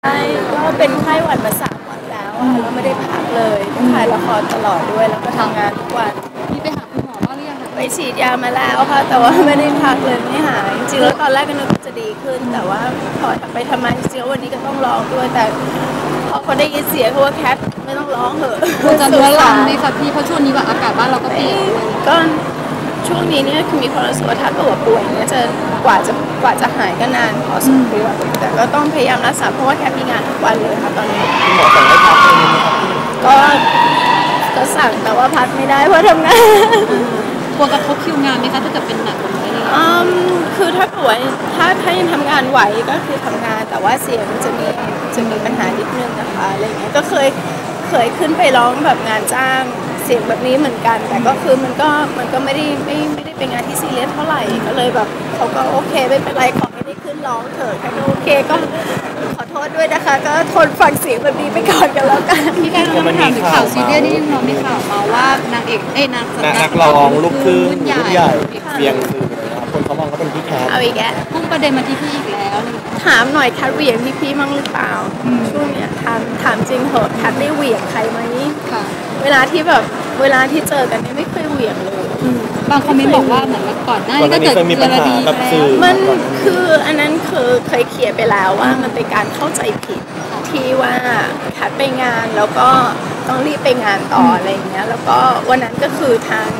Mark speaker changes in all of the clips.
Speaker 1: ใช่ก็เป็นไข้หวัดมา3 วันแล้วอะแล้วไม่ได้พักเลยถ่ายละครตลอดด้วยแล้วก็ทำงานทุกวัน
Speaker 2: มีไปหาคุณหมอบ้างหรือยังคะ
Speaker 1: ไปฉีดยามาแล้วค่ะแต่ว่าไม่ได้พักเลยไม่หายจริงๆแล้วตอนแรกก็นึกว่าจะดีขึ้นแต่ว่าพอไปทำไมจริงๆวันนี้ก็ต้องร้องด้วยแต่พอเขาได้ยินเสียงเขาว่าแคทไม่ต้องร้องเหอะ
Speaker 2: จะเรื้อรังไหมคะพี่เพราะช่วงนี้แบบอากาศบ้านเราก็เปลี่ยนด้วย
Speaker 1: ก็ช่วงนี้เนี่ยคือมีความรู้สึกว่าถ้าตัวป่วยเนี่ยจะกว่าจะหายก็นานพอสมควรแต่ก็ต้องพยายามรักษาเพราะว่าแคทมีงานทุกวันเลยค่ะตอนนี้
Speaker 3: หมอสั่งให้พักเลยไหมครับ
Speaker 1: ก็ก็สั่งแต่ว่าพักไม่ได้เพราะทำงาน
Speaker 2: กลัวกระทบคิวงานไหมคะถ้าเกิดเป็นหนักกว่านี้
Speaker 1: คือถ้าป่วยถ้ายังทำงานไหวก็คือทำงานแต่ว่าเสียงจะมีปัญหานิดนึงนะคะอะไรเงี้ยก็เคยขึ้นไปร้องแบบงานจ้างเสียงแบบนี้เหมือนกันแต่ก็คือมันก็ไม่ได้เป็นงานที่ซีเรียสเท่าไหร่ก็เลยแบบเขาก็โอเคไม่เป็นไรขอให้ได้ขึ้นร้องเถอะแค่โอเคก็ขอโทษด้วยนะคะก็ทนฟังเสียงแบบนี้ไปก่อนกันแล้วกัน
Speaker 2: พี่การเราถามถึงข่าวซีเรียสนี่เรามีข่าวมาว่านางเอก
Speaker 3: นักร้องลูกครึ่งรุ่นใหญ่เบียงคือคนเขามองว่าเป็นพี่แคท
Speaker 1: เอาอีกแล้ว
Speaker 2: พุ่งประเด็นมาที่พี่อีกแล้ว
Speaker 1: ถามหน่อยแคทเหวี่ยงพี่มั่งหรือเปล่าช่วงเนี้ยถามจริงเหรอแคทได้เหวี่ยงใครไหม
Speaker 2: ค่ะ
Speaker 1: เวลาที่เจอกันเนี่ยไม่เคยเหวี่ยงเลย
Speaker 2: บางคอมเมนต์บอกว่าเหมือนก่อนหน้านี้ก็เกิด
Speaker 3: มีปัญหาแบบสื่อ
Speaker 1: มันคืออันนั้นคือเคยเคลียร์ไปแล้วว่ามันเป็นการเข้าใจผิดที่ว่าแคทไปงานแล้วก็ต้องรีบไปงานต่ออะไรเงี้ยแล้วก็วันนั้นก็คือทาง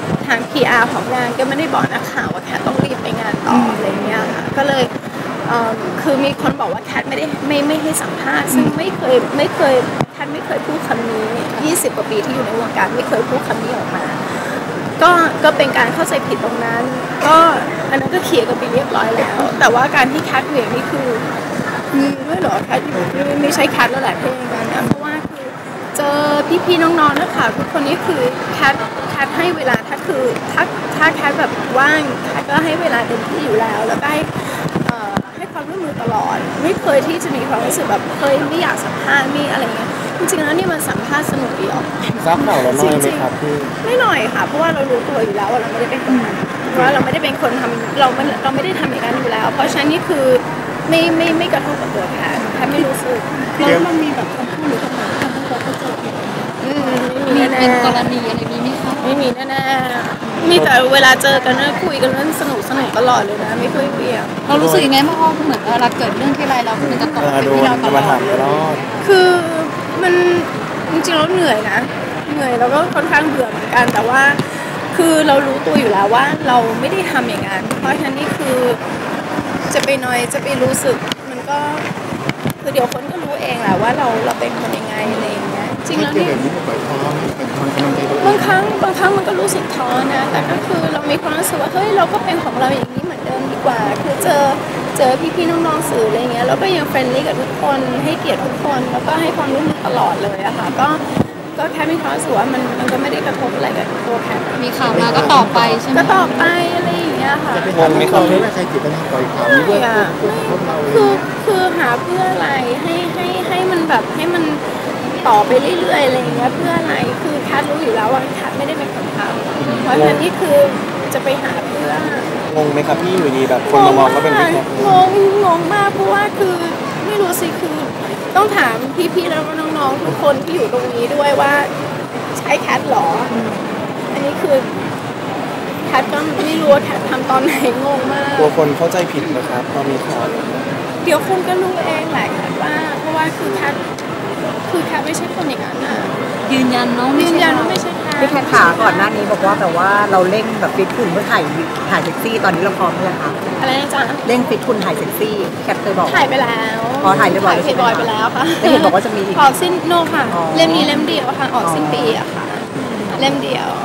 Speaker 1: PR ของงานก็ไม่ได้บอกนักข่าวว่าแคทต้องรีบไปงานต่ออะไรเงี้ยค่ะก็เลยคือมีคนบอกว่าแคทไม่ให้สัมภาษณ์ซึ่งไม่เคยแคทไม่เคยพูดคำนี้20 กว่าปีที่อยู่ในวงการไม่เคยพูดคำนี้ออกมาก็เป็นการเข้าใจผิดตรงนั้นก็อันนั้นก็เคลียร์กันไปเรียบร้อยแล้วแต่ว่าการที่แคทเหวี่ยงนี่คือมีด้วยเหรอแคทไม่ใช่แคทแล้วแหละเพลงกันนะเพราะว่าคือเจอพี่ๆน้องๆนักข่าวทุกคนนี้คือแคทให้เวลาถ้าแคทแบบว่างแคทก็ให้เวลาเต็มที่อยู่แล้วแล้วก็ให้ความร่วมมือตลอดไม่เคยที่จะมีความรู้สึกแบบเคยไม่อยากสัมภาษณ์ไม่อะไรเงี้ยจริงๆแล้วนี่มันสัมภาษณ์สนุกดีออก
Speaker 3: ทราบข่าวแล้วน้อยไหมครับพี่
Speaker 1: ไม่หน่อยค่ะเพราะว่าเรารู้ตัวอยู่แล้วว่าเราไม่ได้เป็นคนทำเพราะว่าเราไม่ได้เป็นคนทำเราไม่ได้ทำอย่างนั้นอยู่แล้วเพราะฉะนั้นนี่คือไม่กระทบกับตัวแค่ไม่รู้สึก
Speaker 2: แล้วมันมีแบบคำพูดหรือคำไหนที่ทำให้เขาเจอผิดมีเป็นกรณีอะไรนี้ไหมคะ
Speaker 1: ไม่มีแน่ๆมีแต่เวลาเจอกันคุยกันเรื่องสนุกตลอดเลยนะไม่เคยเปลี่ยน
Speaker 2: เรารู้สึกยังไงเพราะเหมือนเวลาเกิดเรื่องที่ไรเราคือจะตกเป็นที่เราตลอด
Speaker 1: คือมันจริงๆเราเหนื่อยนะเหนื่อยแล้วก็ค่อนข้างเบื่อเหมือนกันแต่ว่าคือเรารู้ตัวอยู่แล้วว่าเราไม่ได้ทำอย่างนั้นเพราะฉะนั้นนี่คือจะไปน้อยจะไปรู้สึกมันก็คือเดี๋ยวคนก็รู้เองแหละว่าเราเป็นคนยังไงอะไรอย่างเงี้ยจริงแล้วนี่บางครั้งมันก็รู้สึกท้อนะแต่ก็คือเรามีความรู้สึกว่าเฮ้ยเราก็เป็นของเราอย่างนี้เหมือนเดิมดีกว่าคือเจอพี่ๆน้องๆสื่ออะไรเงี้ยแล้วก็ยังเฟรนลี่กับทุกคนให้เกียรติทุกคนแล้วก็ให้ความร่วมมือตลอดเลยอะค่ะก็แค่มีความรู้สึกว่ามันก็ไม่ได้กระทบอะไรกับตัวแค่
Speaker 2: มีข่าวมาก็ต่อไปใช่ไหม
Speaker 1: ก็ต่อไปอะไรอย่างเงี้ยค่ะ
Speaker 3: งงไหมครับไม่ว่าใครจิตปัญหาปล่อยข่าวนี้ด้วย
Speaker 1: คือหาเพื่ออะไรให้มันแบบให้มันต่อไปเรื่อยๆอะไรอย่างเงี้ยเพื่ออะไรคือแคทรู้อยู่แล้วว่าแคทไม่ได้เป็นคนทำเพราะฉะนั้นนี่คือจะไปหาเพื่อง
Speaker 3: งไหมครับพี่อยู่ดีแบบคนมามองว่าเป็นพี่แคท
Speaker 1: งงมากเพราะว่าคือไม่รู้สิคือต้องถามพี่ๆแล้วก็น้องๆทุกคนที่อยู่ตรงนี้ด้วยว่าใช่แคทหรออันนี้คือแคทก็ไม่รู้ว่าแคททำตอนไหนงงมาก
Speaker 3: กลัวคนเข้าใจผิดนะครับพอมีข่าว
Speaker 1: เดี๋ยวคนก็รู้เองแหละแคทว่าเพราะว่าคือแคทไม่ใช่คนอย่างนั้นนะ
Speaker 2: ยืนยันว่าไม่ใช่
Speaker 4: พี่แคทขาก่อนหน้านี้บอกว่าแบบว่าเราเร่งแบบฟิตหุ่นเพื่อถ่ายเซ็กซี่ตอนนี้เราพร้อมหรือยังคะ
Speaker 1: อะไรนะจ๊ะ
Speaker 4: เร่งฟิตหุ่นถ่ายเซ็กซี่แคทเคยบอก
Speaker 1: ถ่ายไปแล้ว
Speaker 4: ถ่ายเรียบร้อย
Speaker 1: บอยไปแล้วค่ะ
Speaker 4: แต่เห็นบอกว่าจะมี
Speaker 1: ออกสิ้นโนค่ะเล่มนี้เล่มเดียวค่ะออกสิ้นปีอะค่ะเล่มเดียว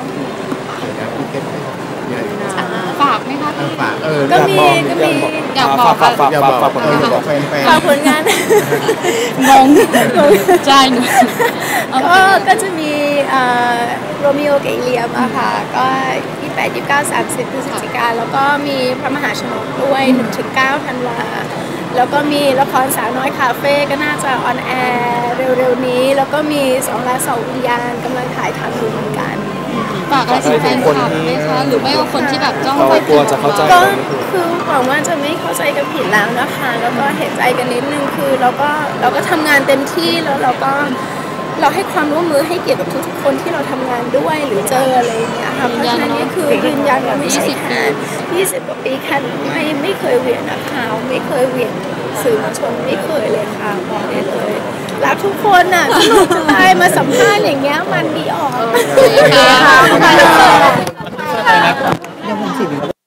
Speaker 2: ฝากไหมคะ
Speaker 1: ฝากก็มี
Speaker 2: อยากบอก
Speaker 1: ฝากผลงาน
Speaker 2: งงใจหนู
Speaker 1: ก็จะมีโรมิโอกับอิเลียมอะค่ะก็28 29 30 พฤศจิกายนแล้วก็มีพระมหาชนกด้วย1-9 ธันวาแล้วก็มีละครสาวน้อยคาเฟ่ก็น่าจะออนแอร์เร็วๆนี้แล้วก็มี2 ราศวิญญาณกำลังถ่ายทำอยู่เหมือนกัน
Speaker 2: ฝากอะไรถึงแฟนคลับไหมคะหรือไม่ว่าคนที่แบบจ้อง
Speaker 3: เขา
Speaker 2: ไป
Speaker 3: กลัวจะเข้าใจ
Speaker 1: ก็คือหวังว่าจะไม่เข้าใจกันผิดแล้วนะคะแล้วก็เห็นใจกันนิดนึงคือเราก็ทำงานเต็มที่แล้วเราให้ความร่วมมือให้เกียรติกับทุกๆคนที่เราทำงานด้วยหรือเจออะไรอย่างเงี้ยค่ะเพราะฉะนั้นนี่คือยืนยันว่าไม่ใช่แค่20 กว่าปีแค่ไม่เคยเหวี่ยงนักข่าวไม่เคยเหวี่ยงสื่อมวลชนไม่เคยเลยค่ะบอกได้เลยรักทุกคนน่ะสนุกจะตายมาสัมภาษณ์อย่างเงี้ยมันดีออก
Speaker 2: ค่ะ
Speaker 1: ขอบคุณค่ะ
Speaker 4: เดี๋ยวผมสิ